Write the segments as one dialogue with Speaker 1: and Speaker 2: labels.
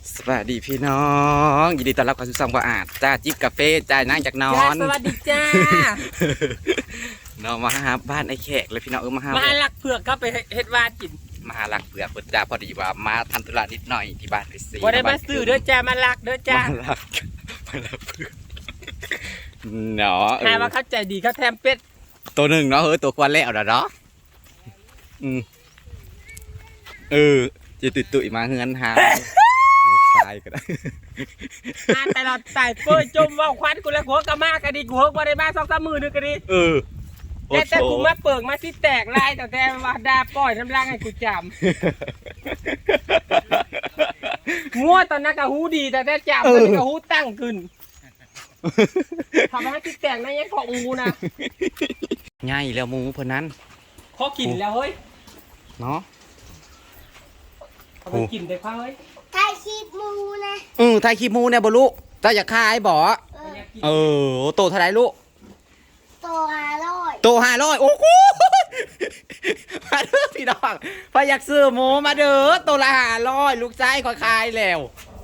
Speaker 1: สวัสดีพี่น้องยินดีต้อนรับเข้าสู่ช่องบ่อาจจ้าจิบกาแฟจ้านั่งจากนอ
Speaker 2: จ้าน สวัสดีจ้า
Speaker 1: น้องมาหาบ้านไอ้แขกเลยพี่น้องมาหา
Speaker 2: มาลักเผือกเข้าไปเฮ็ดวาดกิน
Speaker 1: มาหาหลักเปลือกเปิดจ้าพอดีว่ามาทำธุระนิดหน่อยที่บ้านไอ้ซี
Speaker 2: บ่ได้มาซื้อเด้อจ้ามาลักเด้อจ้า
Speaker 1: มาลักเปลือกเนาะ
Speaker 2: หาว่าเขาใจดีเขาแถมเป็ด
Speaker 1: ตัวหนึ่งเนาะตัวควันแล้วเนาะจะตุยมาเฮือนหาลูกชายก็ได้
Speaker 2: มาแต่เราตายเฟ้ยจมว่าควันกูแล้วหัวกะมากะดีกูเฮกบ่ได้มา2-3 มื้อนึงกะดีแต่กูมาเปิกมาสิแตกลายแต่ว่าดาปล่อยน้ำลางให้กูจำงัวตอนนั้นก็หูดีแต่จำตอนนี้ก็หูตั้งขึ้นทำให้สิแตกนั่นยังของงูนะ
Speaker 1: ง่ายแล้วมูเพราะนั้น
Speaker 2: ขอกินแล้วเฮ้ย
Speaker 1: เนาะ
Speaker 2: เอาไปกินได้ค่ะเฮ้ย
Speaker 3: ไทยคีบมูนะ
Speaker 1: ไทยคีมูเนี่ยบลูกถ้าอยากขายบ่โตเท่าไรลูก
Speaker 3: ตัว500
Speaker 1: โต500โอ้โหมาเด้อพี่น้องพออยากซื้อหมูมาเด้อโตละ500ลูกชายขอขายแล้ว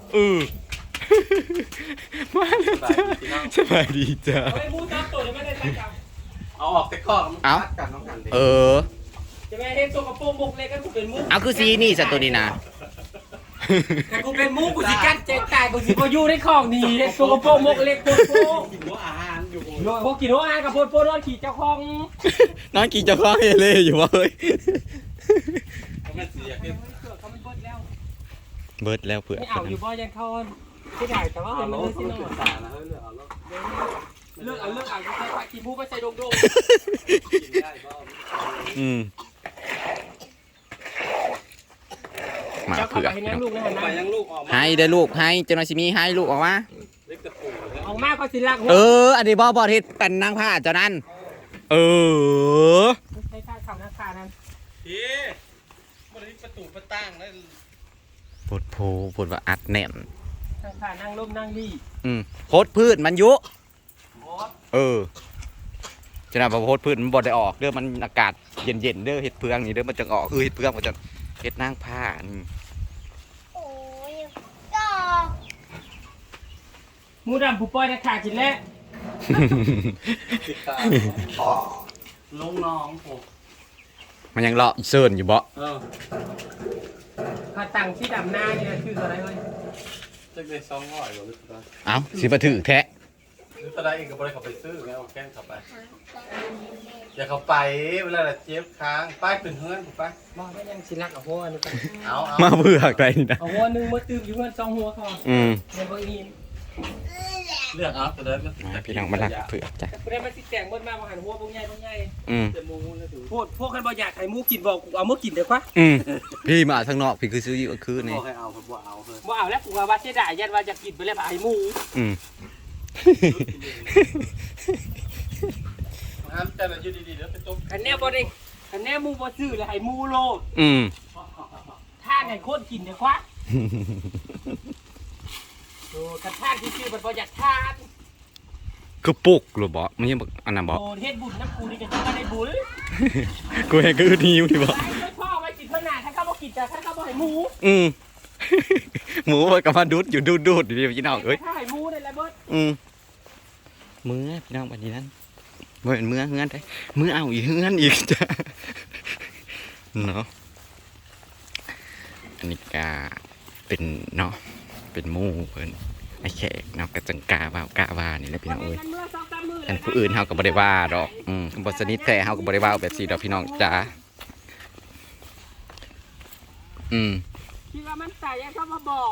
Speaker 1: มาเลยจ้าสบายดีจ้า
Speaker 2: เอาไปมูซับตัวจะไม่ได้ตั้งจับ
Speaker 4: เอาออกแต่ข้อมัน
Speaker 1: เอา
Speaker 4: กัดน้องกันดิ
Speaker 2: จะไม่เห็นตัวกระโปรงบกเล็กก็กูเป็นมู
Speaker 1: เอาคือซีนี่สัตว์ตัวนี้นะ
Speaker 2: แต่กูเป็นมูกูสิกัดเจ๊ตายกูสิบ่อยู่ในของนี่ตัวกระโปรงบกเล็กโคตร
Speaker 4: กินหัวอาหารอยู่
Speaker 2: โยพวกกินหัวอาหารกับโพดนอนขี่เจ้าของ
Speaker 1: น้องกินจะคล้องเฮเล่อยู่วะเฮ้ย
Speaker 4: มันเสียเก็บ
Speaker 2: เสือเขาไม่เบิดแล้ว
Speaker 1: เบิดแล้วเผื่อ
Speaker 2: ไม่เอาอยู่บ่ยังเขาที่ได้แต่ว่า
Speaker 4: เอา
Speaker 2: มัน
Speaker 4: แล้
Speaker 2: เล
Speaker 4: วย
Speaker 2: สิ
Speaker 4: คุณ
Speaker 2: เนาะ
Speaker 4: สานะเฮ้ยเลือกเอาแล้ว
Speaker 2: เลือกเอาใส่ปลาขี้มูไปใส่ดง
Speaker 4: กินได้บ้าง
Speaker 1: มา
Speaker 2: เจ้าเข้า
Speaker 1: เผื่อ
Speaker 2: ไปให้น้ำลูกนะฮะ
Speaker 4: ไป
Speaker 2: นะ
Speaker 4: ยังลูกออกมา
Speaker 1: ให้ได้ลูกให้เจ้าหน้าที่มีให้ลูกออกมา
Speaker 4: เล็กตะปูแล้ว
Speaker 2: ออกมาก็สิลักหัว
Speaker 1: อันนี้บ่เฮ็ดเป็นนางผ้าเจ้านั้น
Speaker 2: ใช้ข้าวหน้าขานั้น
Speaker 4: ทีมันนี้ประตูประตั้งแล้ว
Speaker 1: ปวดโพปวดว่าอัดแน่น
Speaker 2: ข้างขานั่งร่มนั่งดี
Speaker 1: โคตรพืชมันยุจะน่าโคตรพืชมันบ่ได้ออกเด้อมันอากาศเย็นๆเด้อเฮ็ดเพืองนี่เด้อมันจะออกเฮ็ดเพืองมันจะเฮ็ดนางผ้านี่
Speaker 3: โอ้ยก็
Speaker 2: มูดำผู้ปล่อยนะขากินแล้ว
Speaker 4: ติดตาลงน้องผม
Speaker 1: มันยังเลาะเซิร์นอยู่บ่
Speaker 2: ขาตังที่ดำหน้านี่คืออะไรเว้ย
Speaker 4: จะได้200หรือเปล่า
Speaker 1: เอ้าสิมาถือแท้
Speaker 4: หรือตะไดเองก็บ่ได้เข้าไปซื้อไงเอาแกงเข้าไปอย่าเข้าไปเวลาเจ็บค้างป้ายขึ้นเฮือนถูกปะ
Speaker 2: บ่ได้ยังสิลักเอาหัวนึง
Speaker 4: เอา
Speaker 1: มาเบื่อใครนี่นะ
Speaker 2: เอาหัวนึงมาตื้มอยู่เพื่อน2หัวพอในบ่อีน
Speaker 4: เลือกเอาตัวเดิม
Speaker 1: พี่น้องมาลักเผื่อจ้ะ
Speaker 2: กูได้มาสิแต่งเบิดมาบ่หันหัวบ่ใหญ่
Speaker 4: จะมูนะดู
Speaker 2: พวกคันบ่อยากให้หมูกินบ่กูเอาหมูกินเด้อควะ
Speaker 1: พี่มาทางนอกพี่คือซื้ออยู่คือ
Speaker 4: บ
Speaker 1: นี่
Speaker 4: อกให้เอาผมบอกเอาเฮ้ย
Speaker 2: บ่เอาแล้วกูว่าเสียดายยันว่าจะกินไปแล้วให้หมู
Speaker 4: ห้ามแต่ละอยู่ดีๆแล้วไปจม
Speaker 2: คันแน่บ่ได้คันแน่หมูบ่ซื้อแล้วให้หมูโลดท่านให้คนกินเด้อควะโอ้คันท่านที่ชื่อมันบ่อยากทาน
Speaker 1: คือปุกหรือบ่มันยังอันนั้นบ่
Speaker 2: โอ้เฮ็ดบุญน้ำกูนี่ก็จะได้บุญ
Speaker 1: กูเห็นคือหิวที่บ่
Speaker 2: ไม่พ่อไว้กินเท่าหน้าถ้าเขาบ่กินแต่ถ้าเขาบ่ให้หมู
Speaker 1: หมูมันก็มาดูดอยู่ดูดอยู่พี่น้องเอ้ย
Speaker 2: ถ้าให้หมูได้แล้วเบิด
Speaker 1: มือพี่น้องวันนี้นั้นบ่เป็นมือเฮือนได้มือเอาอีกเฮือนอีกจ้ะเนาะอันนี้ก็เป็นเนาะเป็นหมู่เพิ่นไอ้แขกเนาะกะจังกาว่ากะว่านี่แหละพี่น้องเอ้ย
Speaker 2: มันเมื่อ2-3มื้อ
Speaker 1: อันผู้อื่นเฮาก็บ่ได้ว่าดอกบ่สนิทแท้เฮาก็บ่ได้ว่าแบบซี่ดอกพี่น้องจ๋า
Speaker 2: คิดว่ามันตายยังเขามาบอก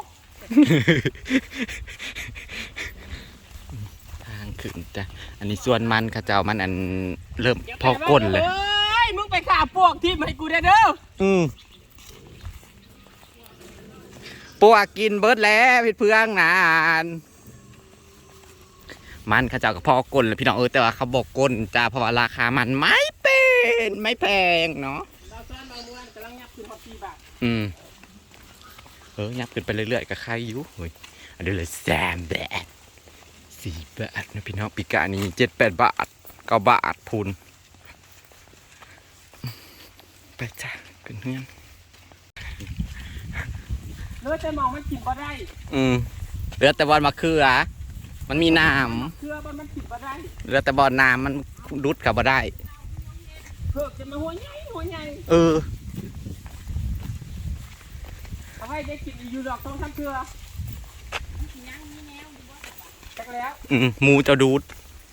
Speaker 1: ทางขึ้นจ้ะอันนี้ส่วนมันเขาเจ้ามันอันเริ่มพอก้นเลย
Speaker 2: เฮ้ยมึงไปฆ่าพวกที่ให้กูได้เด้อ
Speaker 1: ปวกกินเบิดแล้วพี่เพื่องนานมันเขาเจ้าก็พอก้นเลยพี่น้องแต่ว่าเขาบอกก้นจ้าเพราะว่าราคามันไม่แพงเนาะ
Speaker 2: เราซ้อนบางม้วนกำลังยับขึ้นฮอต4 บาท
Speaker 1: ยับขึ้นไปเรื่อยๆกับใครอยู่เฮ้ยอันนี้เลย3 บาท4 บาทนะพี่น้องปีกานี้7-8 บาท9 บาทพูนไปจ้าขึ้นเฮือน
Speaker 2: เลือแต่มองมันกินบ่ได้
Speaker 1: เหลือแต่บอลมะเขือมันมีน้
Speaker 2: เพื่อมันกินบ่ได้
Speaker 1: ำเหลือแต่บอลน้ำมันรุดกับบ่ได้
Speaker 2: เพื่อจะมาหัวใหญ่เอาให้ได้กินอยู่ดอกต้องทำเพื่อจักแล้ว
Speaker 1: หมูเจ้าดูด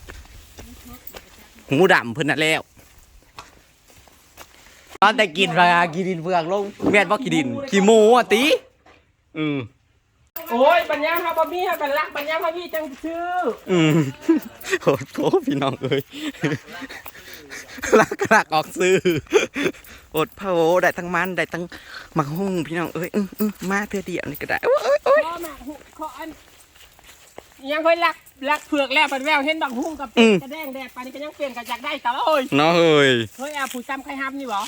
Speaker 1: หูดำเพิ่นน่ะแล้วตอนแต่กินรากินดินเฟืองลงแม่นบ่กินดินขี้หมูอ่ะติ
Speaker 2: โอ้ยปัญญาเขาบ่มีเขากันรักปัญญาเขามีจังชื่อ
Speaker 1: โหโถพี่น้องเอ้ยลักออกซื้ออดพะโล้ได้ทั้งมันได้ทั้งหมักหุ่งพี่น้องเอ้ยมาเพื่อเดียวนี่ก็ได้โอ้ย
Speaker 2: ข้อหมากข้ออันยังค่อยรักเผือกแล้วปันแววเห็นบังหุ่งกับกระแดงแดดปานนี้ก็ยังเปลี่ยนกันจากได้แต่ว่าเอ้ย
Speaker 1: เนาะเฮ้ย
Speaker 2: เอาผู้ซ้ำใครห้ามนี่บ่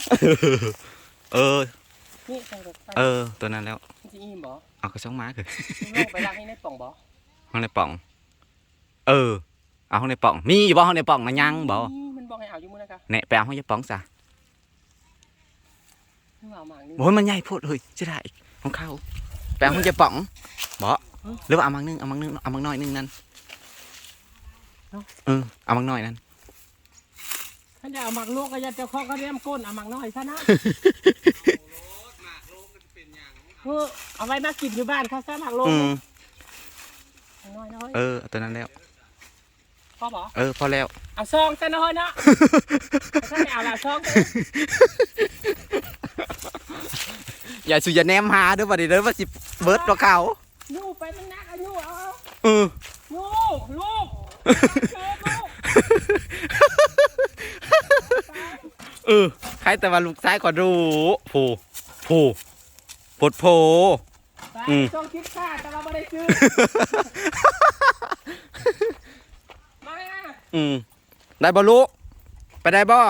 Speaker 2: นี่
Speaker 1: ตัวนั้นแล้ว
Speaker 2: จริงอิ่มบ่
Speaker 1: เอากระช่องม้าคือ
Speaker 2: ไปรักให้ในป่องบ่
Speaker 1: ห้องในป่องเอาห้องในป่องมีอยู่บ่ห้องในป่องนะยังบ่
Speaker 2: มันบอกให้เอาอยู่มื้อนะคะ
Speaker 1: เนี่ยไปเอาห้องในป่องซะโอ้ยมันใหญ่โพดเฮ้ยจะได้ของเขาไปเอาห้องในป่องบ่หรือว่าเอามังนึงเอามังน้อยนึงนั่นเอามังน้อยนั่น
Speaker 2: ถ้าจะเอาหมักลวกก็จะเจ้าข้อก็เรียมก้นเอาหมักน้อยซะนะเอาไว้มากินอยู่บ้านเขาซะหมักลวกน้อย
Speaker 1: ตัวนั้นแล้ว
Speaker 2: พอบ่
Speaker 1: พอแล้ว
Speaker 2: เอาซองซะน้อยเนาะถ้าไม่เอาละซอง
Speaker 1: อย่าสุยาแนมหาเด้อบัดนี้เด้อว่าสิเบิร์ดตัวเขา
Speaker 2: ยูไปมันนักอายุเอายูลูก
Speaker 1: ใครแต่ว่าลูกซ้ายก็รู้ปดโผ
Speaker 2: ต้องคิดค่าแต่เราไม่ได้ซื้อมา
Speaker 1: ได้บ่ลูกไปได้บ่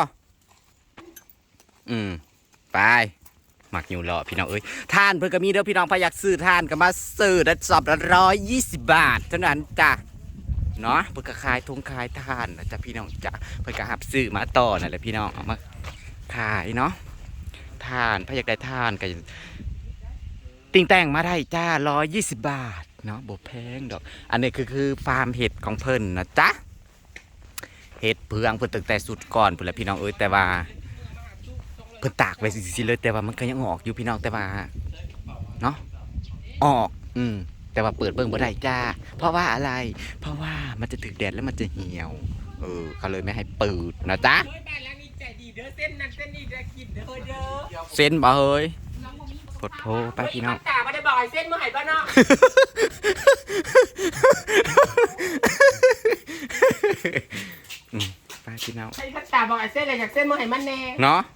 Speaker 1: ไปหมักอยู่รอพี่น้องเอ้ยทานเพิ่นก็มีเด้อพี่น้องพอยากซื้อทานก็มาซื้อได้สอบละ120 บาทเท่านั้นจ้ะเนาะเพิ่นก็ขายทงขายทานนะจ๊ะพี่น้องจ้ะเพิ่นก็หับซื้อมาต่อนั่นแหละพี่น้องเอามาขายเนาะทานพอยากได้ทานก็ติ่งแต่งมาได้จ้า120 บาทเนาะบ่แพงดอกอันนี้คือฟาร์มเห็ดของเพิ่นนะจ๊ะเห็ดเพืองเพิ่นตั้งแต่สุดก่อนพุ่นแหละพี่น้องเอ้ยแต่ว่าเพิ่นตากไว้สิเลยแต่ว่ามันก็ยังออกอยู่พี่น้องแต่ว่าเนาะออกแต่ว่าเปิดเบิ่งบ่ได้จ้าเพราะว่าอะไรเพราะว่ามันจะถึกแดดแล้วมันจะเหี่ยวเขาเลยไม่ให้เปิดนะจ๊ะเส้นบ่เฮ้ยกดโทรไปพี่น้อง
Speaker 2: ตาไม่ได้บอกให้เส้นเมื่อไหร่บ้านเนาะ
Speaker 1: ไปพี่น้อง
Speaker 2: ใช่ตาบอกให้เส้นอะไรจากเส้นเมื่อไหร่มันแน่
Speaker 1: เนาะ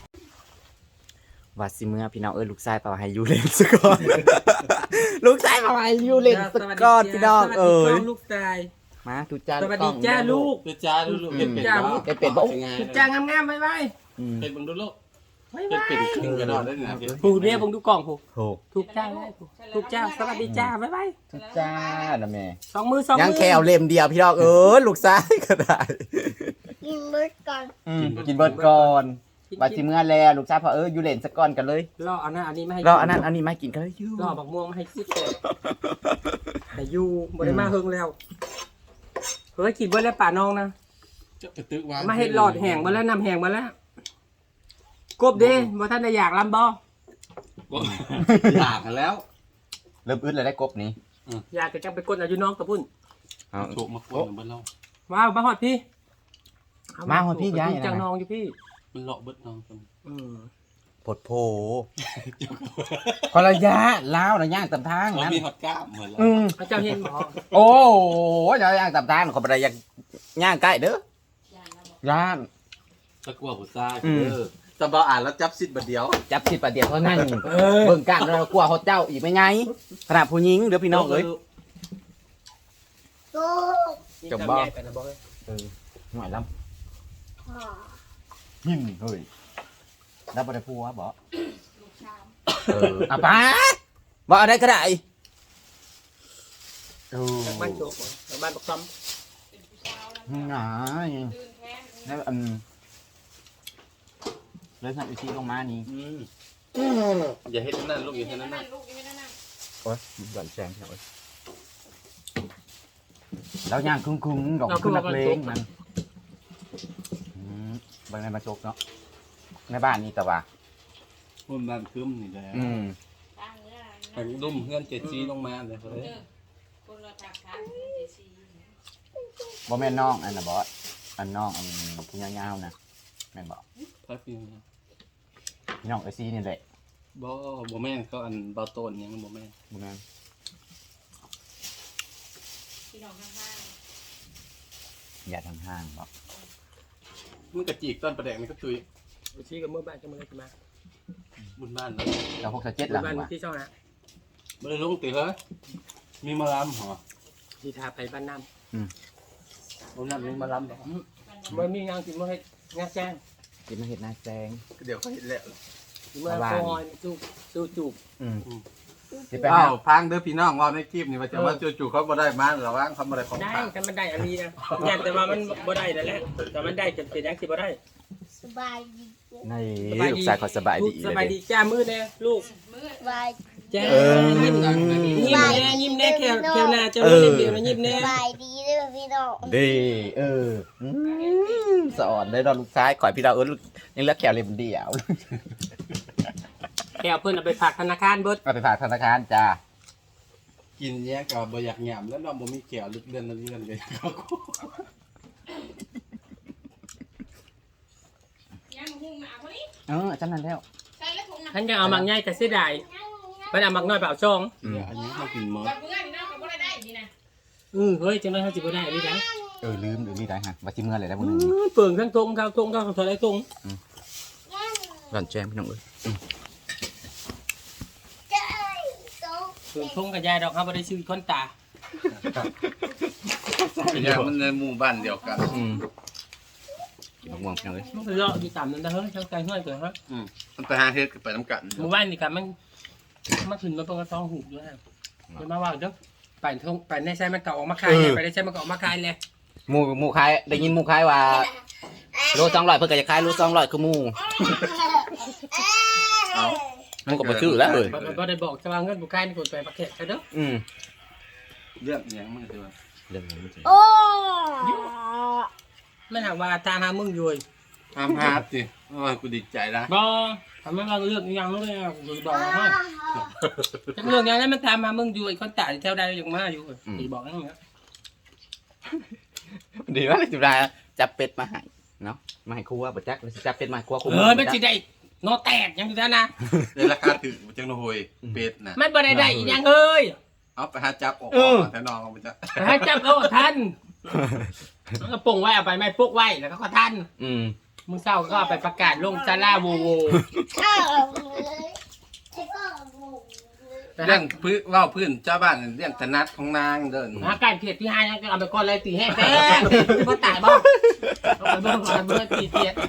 Speaker 1: วัดสิเมื่อพี่น้องลูกชายเปล่าให้ยูเลนสก่อนลูกชายเปล่าให้ยูเลนสก่อนพี่น้อง
Speaker 2: ลูกชาย
Speaker 1: มาทุจ้า
Speaker 2: สวัสดีจ้าลูก
Speaker 4: เป็น
Speaker 1: เป็นบ่
Speaker 2: ทุจ้างามๆไว้
Speaker 4: เป็นบังดูลูกเป็นครึ่งกระดอนได้ไง
Speaker 2: ผู้เรียกบังดูกล่องผู้ทุกจ้าทุกจ้าสวัสดีจ้าบ๊ายบาย
Speaker 1: ทุจ้านะแม่
Speaker 2: 2 มือ2
Speaker 1: ยังแค่เอาเล่มเดียวพี่น้องลูกชายก็ได้
Speaker 3: กินเบิร์ดก่อน
Speaker 1: กินเบิร์ดก่อนบัดสิเมื่อแล้วลูกชายพอยูเลนสก่อนกันเลย
Speaker 2: รออันนั้นอันนี้ไม่ให้
Speaker 1: รออันนั้นอันนี้ไม่กินกันเลยยู
Speaker 2: รอบักม่วงไม่ให้กินแต่ยูบ่ได้มาเฮิงแล้วเฮ้ยกินเบิร์ดแล้วป่าน้องนะมาเห็ดหลอดแห้งมาแล้วนำแห้งมาแล้วกบเด้บ่ท่านได้อยากลำบ่
Speaker 4: อยากแล้ว
Speaker 1: เริ่มอึดเลยได้กบนี้
Speaker 2: อยากจะจังไปกดอายุน้องตะพุ่น
Speaker 4: ถูกมาคนบ้านเรา
Speaker 2: ว้าวมาหอดพี่
Speaker 1: มาหอดพี่ย้าย
Speaker 2: จังน้องอยู่พี่
Speaker 4: มันเลาะเบิดน้องกัน
Speaker 1: ปดโผคนละยะล้าวนะย่างตำทาง
Speaker 4: นั้นมีฮอตก้ามเหมือน
Speaker 2: เราเจ้าเห็นบ่
Speaker 1: โอ้ยย่างตำทางเขาไปได้ย่างใกล้เด้ย่าง
Speaker 4: ตะกั่วหัวใจตะบออ่านแล้วจับซิดบัดเดียว
Speaker 1: จับซิดบัดเดียวเท่านั้นเบิ่งกันเรากลัวเขาเจ้าอีกไม่ไงขนาดผู้หญิงเดี๋ยวพี่น้องเลยจบบ่หน่อยลำหินเฮ้ยแล้วบ่ได้พูดว่าบ่ป้าบ่อะไรก็ได้
Speaker 2: บ้านโจกบ้านปักซ้
Speaker 1: ำง่ายแล้วเลยสั่งอีกทีลงมานี่
Speaker 4: อย่าเฮ็ดนั่นลูกอย่าเฮ็ดนั่น
Speaker 1: อ้ยหย่อนแซงพี่น้องเอ้ยแล้วย่างคุ้งๆดอกขึ้นนักเลงมันบางในมาจกเนาะในบ้านนี่แต่ว่า
Speaker 4: คนบ้านคืมนี่แหละไปดุ่มเพื่อนเจ็ดซีลงมาเลยเฮ้ย
Speaker 1: บ่แม่นน้องอันน่ะบอสอันน้องอันผู้ยาวๆนะแม่นบ่
Speaker 4: พักพี่
Speaker 1: พี่น้องเอซี่นี่แหละ
Speaker 4: บ่แม่นเขาอันเบาโตนยังบ่แม่น
Speaker 1: บ่แม่นอย่าทางห้างบ่
Speaker 4: มึงกระจีกต้นประแดงนี่ก็ตุย
Speaker 2: ไปชี้กับเมื่อบ้านจะมาเลยมา
Speaker 4: บุญบ้านแล้ว
Speaker 1: แล้ว6-7หลัง
Speaker 2: บ้าน
Speaker 1: ว่ะ
Speaker 2: ที่ช่องนะ
Speaker 4: บ่ได้ลงติเฮ้ยมีมาล้ำเหรอ
Speaker 2: ที่ทาไปบ้านน้
Speaker 4: บ่นั่นมีมาล้ำเหรอ
Speaker 2: ำเมื่อมีงานกินเมื่อให้งานแจ้ง
Speaker 1: กินมาเฮ็ดหน้าแซง
Speaker 4: เดี๋ยวเขาเห็นแล้ว
Speaker 2: เมื่อคอยจูจูบ
Speaker 1: สิไป
Speaker 4: อ้า
Speaker 1: หาว
Speaker 4: พังเด้อพี่น้องว่าในคลิปนี่ว่าจะว่าจู่ๆเขาบ่ได้มาระวังเขาบ่ได้ของ
Speaker 2: ได้
Speaker 4: ฝาก
Speaker 2: กันมันได้อันนี้นะอยากแต่ว่ามันบ่ได้นั่นแหละแต่มันได้จนเป็นยังสิบ่ได้
Speaker 3: สบายดี
Speaker 1: ในลูกชายเขาสบายดี
Speaker 2: สบายดีจ้ามือแน่ลูก
Speaker 3: สบาย
Speaker 2: จ้ายิ้มยิ้มแน่แควหน้าเจ้าเล่นเดียวนะยิ้มแน่
Speaker 3: สบายดีเลยพี่น้อง
Speaker 1: ดีสอนได้ดอกลูกชายข่อยพี่ดาวยังเลือกแขวเลยมันเดียว
Speaker 2: แควเพิ่นเอาไปฝากธนาคารเบิด
Speaker 1: เอาไปฝากธนาคารจ้า
Speaker 4: กินแยกก็บ่อยากหยำแล้วน้องบ่มีแก้วลึกเดือนเลยเขา
Speaker 1: จำนั้นแล้ว
Speaker 2: ท่านจะเอามักง่ายแต่เสียดายเพิ่นเอามักน้อยไปเอาช่อง
Speaker 4: อันนี้เขากินหมด
Speaker 2: เฮ้ยจังได๋เฮาสิบ่ได้ดิจ้ะ
Speaker 1: ลืมหรือนี่ได้ฮะว่าสิเมื่อไหร่ได้บ่นึง
Speaker 2: เปิ่งทั้งทงเขาถอยทง
Speaker 1: หล่อนแจ้งพี่น้องเอ้ย
Speaker 3: เจ้ยโต
Speaker 2: เปิ่งทงกับยายดอกเฮาบ่ได้ชื่อคนตา
Speaker 4: อย่างมันในหมู่บ้านเดียวกัน
Speaker 1: กินมะม่วงพี่น้องเอ้ย
Speaker 2: มันก็เลาะอยู่ตามนั้นนะเฮ้ยทั้งไกลห้อยเกิดฮะ
Speaker 4: มันไปหาเฮ็ดไปน้ำกัน
Speaker 2: หมู่บ้านนี่ก็มันมาขึ้นมาเพิ่นก็ต้องหูอยู่ฮะเดี๋ยวมาว่าเด้อไปในไสมันก็ออกมาขายไปในไสมันก็ออกมาขายเลย
Speaker 1: หมูขายได้ยินหมูขายว่าโล200เพิ่นก็จะขายโล200คือหมูมันก็บ่ชื่อแล้วเอ้ย
Speaker 2: บ่ได้บอกจะว่าเงินบ่ขายนี่คนไปประเทศเด้อ
Speaker 4: เรื่องอย่างมันคือว่า
Speaker 1: เรื่องนี้มันสิ
Speaker 3: โอ้
Speaker 2: มันหากว่าตามหามึงอยู่
Speaker 4: ห้ามฮาร์ดสิว่ากูดีใจนะ
Speaker 2: บ่ทำไมว่าเรื่องอีหยังเลยกูบอกให้จักเรื่องอย่างนั้นมันตามมามึงอยู่ไอ้คนตายแถวใดยังมาอยู่สิบอกนั่นแหละ
Speaker 1: ดีว่าสิได้จับเป็ดมาให้เนาะมาให้ครัวบ่จักสิจับเป็ดมาให้ครัวคุม
Speaker 2: มันสิได้นอแตกยังอยู่ซะนะ
Speaker 4: ในราคาถือจังโหยเป็ดนะ
Speaker 2: มันบ่ได้อีหยังเอ้ย
Speaker 4: เอาไปหาจับออกแต่น้องเอาไปจับ
Speaker 2: ให้จับเอาทันมันก็ปงไว้เอาไปไม่ปกไว้แล้วก็ทันมึงเศร้าก็เอาไปประกาศลงซาลาโวโว
Speaker 3: ข้าวเลยก็หมู
Speaker 4: เรื่องพื้นว่าพื้นเจ้าบ้านเรื่องถนัดของนางเดิน
Speaker 2: หาการเพียดที่ห้ายังก็เอาไปก่อนเลยตีแห้งแป้งบ่ตายบ่เอาไปเบิ่งก่อนเบิ่งตีเพียด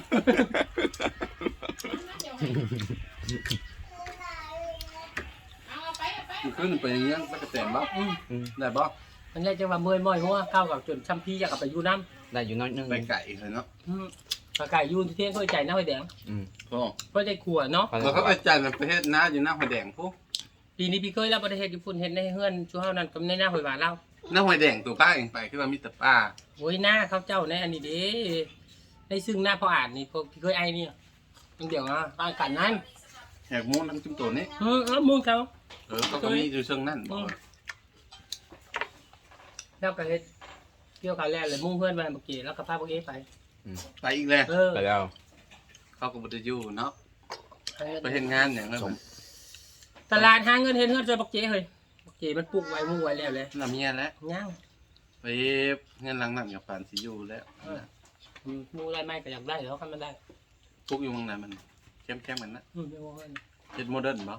Speaker 4: ขึ้นไปอย่างเงี้ยมันก็แตมบ่ได้บ่
Speaker 2: มันได้จังว่าเมื่อยม้อยหัวเข้ากับจนช้ำพี่อยากเอาไปอยู่น้ำ
Speaker 1: ได้อยู่น้อยนึง
Speaker 4: ไปไก่เลยเนาะ
Speaker 2: ปลาไก่ยูนที่เที่ยงก็ใจน้าไฟแดง
Speaker 4: พ่อ
Speaker 2: ก็ใจขัวเนาะ
Speaker 4: แล้วก็ไปจ่ายในประเทศน้าอยู่หน้าหอยแดงพวก
Speaker 2: ปีนี้พี่เคยแล้วประเทศญี่ปุ่นเห็นในเฮือนชูเฮานั่นกับในหน้าหอยหวานเล่า
Speaker 4: หน้าหอยแดงตัวป้าเองไปคือว่ามีแต่ป้า
Speaker 2: โอ้ยหน้าเขาเจ้าในอันนี้เด้ในซึ่งหน้าพออ่านนี่พวกพี่เคยไอ้นี่มันเดี๋ยวอ่ะปลากันนั้น
Speaker 4: แหกมูนทั้งจุ่มตัวนี้
Speaker 2: แล้วมึงเขา
Speaker 4: เขาก็มีอยู่เชิงนั่น
Speaker 2: แล้วก็เฮ็ดเกี่ยวกับแรกเลยมุ่งเพื่อนไปเมื่อกี้แล้วก็พาพวกเอไป
Speaker 4: ไปอีกแล้ว
Speaker 1: ไปแล้ว
Speaker 4: เขาก็บ่ได้อยู่เนาะไปเห็นงานอย่างนั้น
Speaker 2: ตลาดหาเงินเฮ็ดเฮือนจนบักเจ้เฮ้ยบักเจ้มันปลูกไว้มุ่งไว้แล้วเลย
Speaker 4: น้ำเมียแล้ว
Speaker 2: ย่าง
Speaker 4: ไปเงินหลังนั่นกับปานสิอยู่แล้ว
Speaker 2: มุ่งได้ไหมก็อยากได้แล้วคันมันได้
Speaker 4: พวกอยู่เมืองไหนมันเข้มๆกันนะ
Speaker 2: เดี๋ยวเพิ่น
Speaker 4: เฮ็ดโมเดิร์นบ่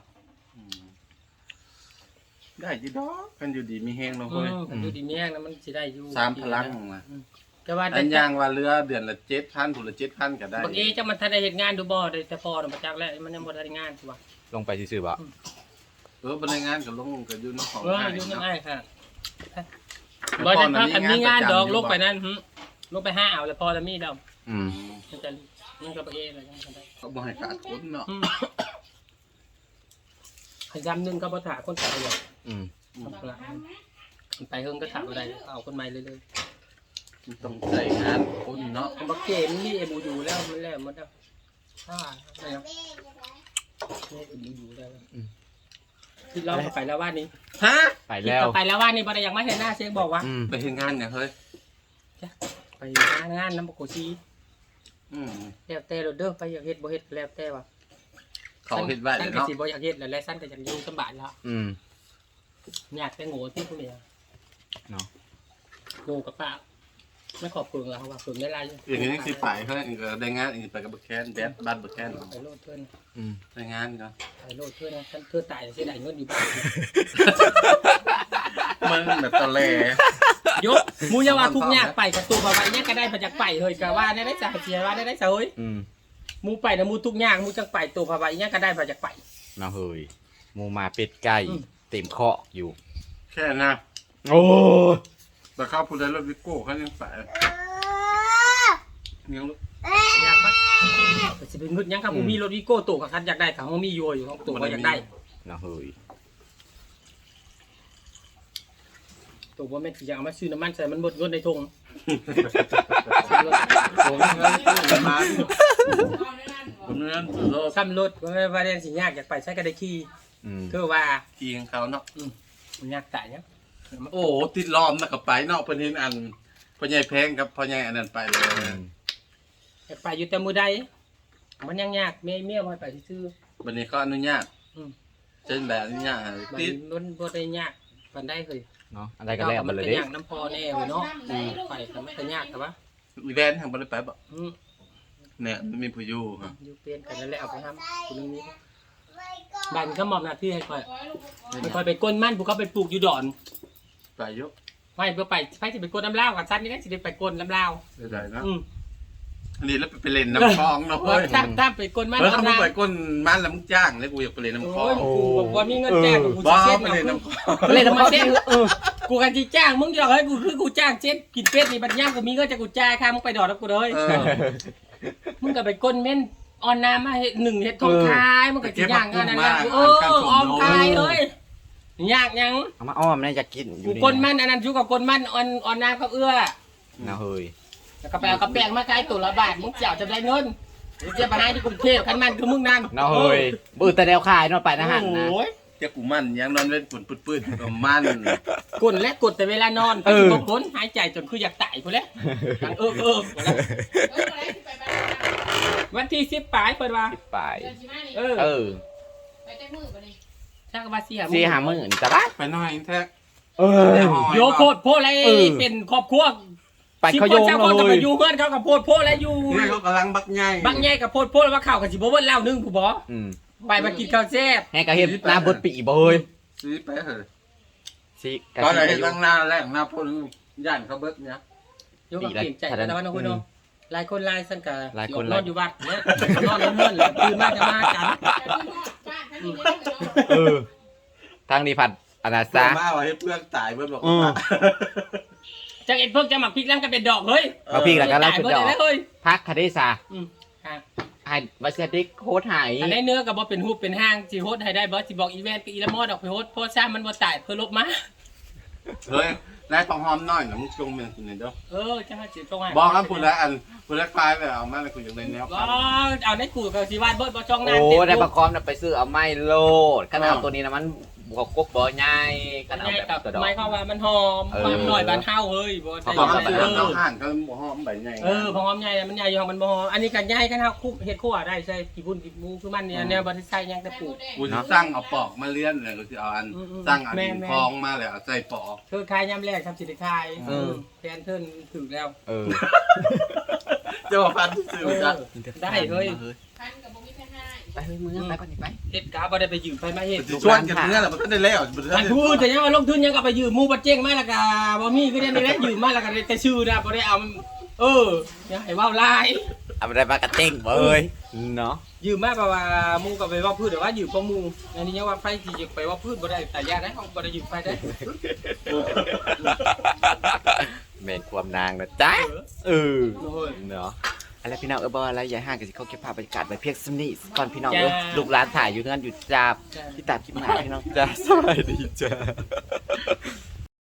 Speaker 4: ได้จีดอกกันอยู่ดีมีแห้งเนาะเฮ้ย
Speaker 2: ดูดีแม่งนะมันสิได้อยู่
Speaker 4: สามพลังมา
Speaker 2: ก็ว่า
Speaker 4: อันยางว่าเรือเดือนละ7,000ผู้ละ7,000ก็ได้
Speaker 2: บางทีจังมันทันได้เฮ็ดงานดูบ่ได้แต่พอน่ะมาจักแล้วมันยังบ่ทันได้งานสิว่า
Speaker 1: ลงไปซื่อๆบ่
Speaker 4: บริงานก็ลงก็อยู่ในของ
Speaker 2: อยู่นั่นอ้ายค่ะบ่ได้พักกันมีงานดอกลงไปนั่นลงไป5เอาแล้วพอแล้วมีดอกมันจะมันก็ไปเองแล้วจังได้
Speaker 4: ก็บ่ให้ขาดทุนเนาะ
Speaker 2: ขยำนึงก็บ่ถาคนตายอย่าง
Speaker 1: อืม
Speaker 2: มันไปเฮิงก็ถามอะไรเอาคนใหม่เลย
Speaker 4: ต้องใส่งานคนเนาะ
Speaker 2: บักเกมนี่เอบูอยู่แล้วมันแล้วมันแล้วอะไรนะนี่เอบูอยู่แล้วที่เราไปแล้วว่านี้
Speaker 4: ฮะ
Speaker 1: ไปแล้ว
Speaker 2: ไปแล้วว่านี้บ่ได้ยังไม่เห็นหน้าเช็คบอกว่า
Speaker 1: อืม
Speaker 4: ไปเฮ็ดงานเนี่ยเฮ้ย
Speaker 2: ไปงานน้ำบกโกชี
Speaker 4: อืม
Speaker 2: แล้วแต่เราเด้อไปอยากเฮ็ดบ่เฮ็ดแล้วแต่ว่า
Speaker 4: เขาเฮ็ดไว้
Speaker 2: สั้นก็
Speaker 4: เนาะ
Speaker 2: สิบ่อยากเฮ็ดแล้วและสั้นก็อยากอยู่สบายแล้ว
Speaker 1: อืม
Speaker 2: อยากแต่โง่ที่พวกนี้
Speaker 1: เนาะ
Speaker 2: โง่กับป้าไม่ขอบคุณเราว่าคุณไม่ไร
Speaker 4: อย่างนี้สิไปเฮ้ยอีกได้งานอีกไปกับบักแคนแดดบ้านบักแคน
Speaker 2: ไปโลดเพื่อน
Speaker 1: อืม
Speaker 4: ได้งานเนาะ
Speaker 2: ไปโลดเพื่อนนะท่านเพื่อตายเสียดายเงินอยู่บ้าน
Speaker 4: มันแบบตะแล
Speaker 2: ยกมูยาว่าทุกยากไปกับตัวบ่าวเนี่ยก็ได้มาจากไปเฮ้ยก็ว่าได้สาเสียว่าได้เฮ้ย
Speaker 1: อืม
Speaker 2: มูไปนะมูทุกยากมูจังไปตัวบ่าวเนี่ยก็ได้มาจากไป
Speaker 1: เนาะเฮ้ยหมูมาเป็ดไก่เต็มเคาะอยู่
Speaker 4: แค่นะ
Speaker 1: โอ้ย
Speaker 4: แต่เข้าผู้ใดรถวิโก้เขายังไปยังลูก
Speaker 2: ยากปะสิเป็นเงินยังครับมูมีรถวิโก้ตัวกับคันอยากได้เขามีอยู่ของตัวก็อยากได้
Speaker 1: เนาะเฮ้ย
Speaker 2: ตัวว่าแม่นสิอยากเอามาซื้อน้ำมันใส่มันหมดเงินในถุง
Speaker 4: ผมมาผมเรื่องสุดโลก
Speaker 2: ซ้ำรถว่าแม่ว่าเรียนสิยากอยากไปใช้ก็ได้ขี่
Speaker 1: อืม
Speaker 2: คือว่า
Speaker 4: ทีของเขาเนาะ
Speaker 2: มันยากตายเนี่ย
Speaker 4: โอ้ติดล้อมนะกับไปเนาะเพิ่นเห็นอันพ่อใหญ่แพงกับพ่อใหญ่อันนั้นไปเลย
Speaker 2: อยากไปอยู่แต่มือใดมันยังยากเมียบ่ให้ไปซื้อ
Speaker 4: วันนี้ก็อนุญาตเช่นแบบอนุญาต
Speaker 2: มัน
Speaker 4: ติด
Speaker 2: ล้นบ่ได้ยากปานได้เคย
Speaker 1: เนาะอะไรกันแล้วมันเลยเด้
Speaker 2: ยากน้ำพอแน่เนาะไปก็ไม่ได้ยากแต่ว่า
Speaker 4: อีแวนทางบ่ได้ไปบ่
Speaker 2: อืม
Speaker 4: เนี่ยมันมีผู้อยู่ฮะ
Speaker 2: อยู่เปลี่ยนกันนั่นแหละเอาไปทำคุณนี้บ้านก็มอบหน้าที่ให้ค่อยไม่ค่อยไปก้นมันผู้เขาไปปลูกอยู่ดอน
Speaker 4: ไปยก
Speaker 2: ไม่เพื่อไปสิไปก้นน้ำลาวกับซันนี่ก็สิได้ไปก้นน้ำลาว
Speaker 4: ได้ๆเนาะ
Speaker 2: อืม
Speaker 4: อันนี้แล้วไปเล่นน้ำคลองเนาะเฮ้ย
Speaker 2: ถ้าไปก้นมัน
Speaker 4: เฮ้ยเขา
Speaker 2: น้ำ
Speaker 4: ไป
Speaker 2: ลาว
Speaker 4: ก้นมันแล้วมึงจ้างแล้วกูอยากไปเล่นน้ำคลอ
Speaker 2: โอ้
Speaker 4: ง
Speaker 2: ยกูบอกว่ามีเงินแจ้งกู
Speaker 4: บ้า
Speaker 2: จะเช็ด
Speaker 4: ไป
Speaker 2: เอา
Speaker 4: เล่น
Speaker 2: คือ
Speaker 4: น้ำคลอง
Speaker 2: เล่นทำไมเช็ดกูกันจีจ้างมึงอยากให้กูคือกูจ้างเช็ดกินเป็ดนี่บัดย่างกูมีเงินจะกูจ่ายค่ามึงไปดอดแล้วกูเลย
Speaker 4: เออ
Speaker 2: มึงก็ไปก้นเม่นออนน้ำมาเฮ็ดหนึ่งเฮ็ดทองคายมึงก็จีย่างกันนั่นแหละออมคายเลยยากยัง
Speaker 1: เอามาอ้อมนะอยากกินอ
Speaker 2: กู
Speaker 1: ยู่นี่
Speaker 2: ก้นมันอันนั้นชูกับก้นมันออนน้ำกับเอื้อ
Speaker 1: เนาะเฮ้ย
Speaker 2: แล้วก็ไปเอากระแปงมาขายตัวละบาทมึงเจ้าจะได้เงินมึงจะมาให้ที่กรุงเทพคันมันคือมึงนั่น
Speaker 1: เนาะเฮ้ยบื้อแต่แนวขายเนาะไปนะฮันนะ
Speaker 2: โอ้ย
Speaker 4: เจ้ากูมันยังนอนเล่นปุ่นปืดๆกับมัน
Speaker 2: กดและกดแต่เวลานอนไปตกคนหายใจจนคืออยากตายพุ่นแล้วดังวันที่10ปลายเปิดว่า
Speaker 1: ไป
Speaker 2: เออ
Speaker 1: เออ
Speaker 2: ถ้าก็ว่า4-5
Speaker 1: 4-50,000จ้ะบ้า
Speaker 4: ไปหน่อยแท้
Speaker 1: เออ
Speaker 2: โยโคตรโพอะไรเป็นครอบครัว
Speaker 1: ไปเขาโยง
Speaker 2: เจ้าคนก็
Speaker 1: เล
Speaker 2: ไป
Speaker 1: ย
Speaker 2: อยู่เพื่อนเขากับโพดโพแล้วอยู่
Speaker 4: นี่เขากำลังบักใหญ่
Speaker 2: บางแง่กับโพดโพแล้วว่าข่าวกับสิบ่เบิ้ลเล่านึงผู้บ่
Speaker 1: อืม
Speaker 2: ไปมากินข้าวแซ่บ
Speaker 1: ให้กระเฮ็ดหน้าบดปีบ่เฮ้ย
Speaker 4: ซื้อไปเถอะ
Speaker 1: สิกะ
Speaker 4: ตอนไหน
Speaker 1: สิ
Speaker 4: ตั้งหน้าแรกหน้าพ่นย่านเขาเบิดเนี่ย
Speaker 2: ยกกับเปลี่ยนใจแต่ว่าน้องคุณน้องหลายคนหลายสันกะ
Speaker 1: หลายคน
Speaker 2: นอนอยู่วัดเนี่ยนอนเลื่อนๆตื่นมาจะมากัน
Speaker 1: เออทางนี้ผัดอนา
Speaker 4: ซา
Speaker 1: ซา
Speaker 4: มาว่าให้เพื่อนตายเบิดบอก
Speaker 1: อืม
Speaker 4: ว่า
Speaker 2: จากเอ็ดเพิ่งจะหมักพริกแล้วก็เป็นดอกเฮ้ย
Speaker 1: มาพี่แล้วก็ไล่
Speaker 2: ตาย
Speaker 1: ขึ้น
Speaker 2: เบิด
Speaker 1: ดอก
Speaker 2: เลยเฮ้ย
Speaker 1: พักคาเดซา
Speaker 2: ค่ะ
Speaker 1: ให้วัสดิกโคตรหาย
Speaker 2: อันนี้เนื้อกับบ่เป็นหูเป็นห้างสิโฮดให้ได้บ่สิบอกอีเวนต์กับอีละมอดออกไปโฮดโพสซ่ามันบ่ตายเพื่อลบมา
Speaker 4: เฮ้ยนายทองหอมน้อยนะมึงจงเป็นคนนี้เด้อ
Speaker 2: จะมาสิตรงไหน
Speaker 4: บอกครับพูดแล้วอันพูดแล้วคลายไปเอามาแล้วกูอยากได้แนว
Speaker 2: ก็เอาในกูกับสิวาดเบิดบ่จ้องหน้า
Speaker 1: โอ้
Speaker 2: เต็ม
Speaker 1: ได้ประกอบนะไปซื้อเอาไม่โลดขนาดตัวนี้นะมันบวกกบบ่ใหญ่ข
Speaker 2: มัน
Speaker 1: นาด
Speaker 2: ใหญ่
Speaker 1: แบบ
Speaker 2: กับ
Speaker 1: ตัวดอก
Speaker 2: ไม้เข้าว่ามันหอมความหน่อยบานเฮาเฮ้ยบ่ได้
Speaker 4: บอกครับ
Speaker 2: เอ
Speaker 4: เอา
Speaker 2: อ
Speaker 4: ห่านเขาหอมใบใหญ่
Speaker 2: พอหอมใหญ่มันใหญ่อยู่ของมันบ่หอมอันนี้ก็ใหญ่กันเฮาคุกเฮ็ดคั่วได้ใช่กี่พุ่นกี่มูคือมันเนี่ยแนวบ่ได้ใส่หยังแต่ปลูก
Speaker 4: กูจะสร้างเอาปอกมาเลี้ยนเลยกูจะเอาอันสร้างอันดินคลองมาเลยเอาใส่ปอก
Speaker 2: เธอขายยามแรกทำสิได้ขายแฟนเพิ่นถึงแล้ว
Speaker 1: เออ
Speaker 4: จะมาพันซื้อจ้ะ
Speaker 2: ได้เฮ้ย
Speaker 1: ไปเฮ้ยมึงไปก่อนไป
Speaker 2: เฮ็ดกาบ่ได้ไปยืมไปมาเฮ็ด
Speaker 4: ชวนกันเนื้อแหละมันก็ได้แล้วมัน
Speaker 2: อันพูดแต่ยังว่าลงทุนยังก็ไปยืมหมู่บ่เจ๊งมาแล้วก็บ่มีก็ได้นี่แหละยืมมาแล้วก็ได้แต่ชื่อนะบ่ได้เอาอย่าให้เว้าหลาย
Speaker 1: เอาไปได้มากระเต้งเว้ยเนาะ
Speaker 2: ยืมมาเพราะว่าหมู่ก็ไปว่าพืชแต่ว่ายืมของหมู่อันนี้ยังว่าไฟสิจะไปว่าพืชบ่ได้แต่ยาได้เฮาบ่ได้ยืมไฟได้
Speaker 1: เมนความนางนะจ๊ะเออเนาะอะไรพี่น้องบอกอะไรอย่าห่างกันสิเขาเก็บภาพบรรยากาศไว้เพียงสนิทก่อนพี่น้องลูกหลานถ่ายอยู่เงินอยู่จ้าพี่ตัดคลิปหน้าพี่น้องจ้าสวัสดีจ้า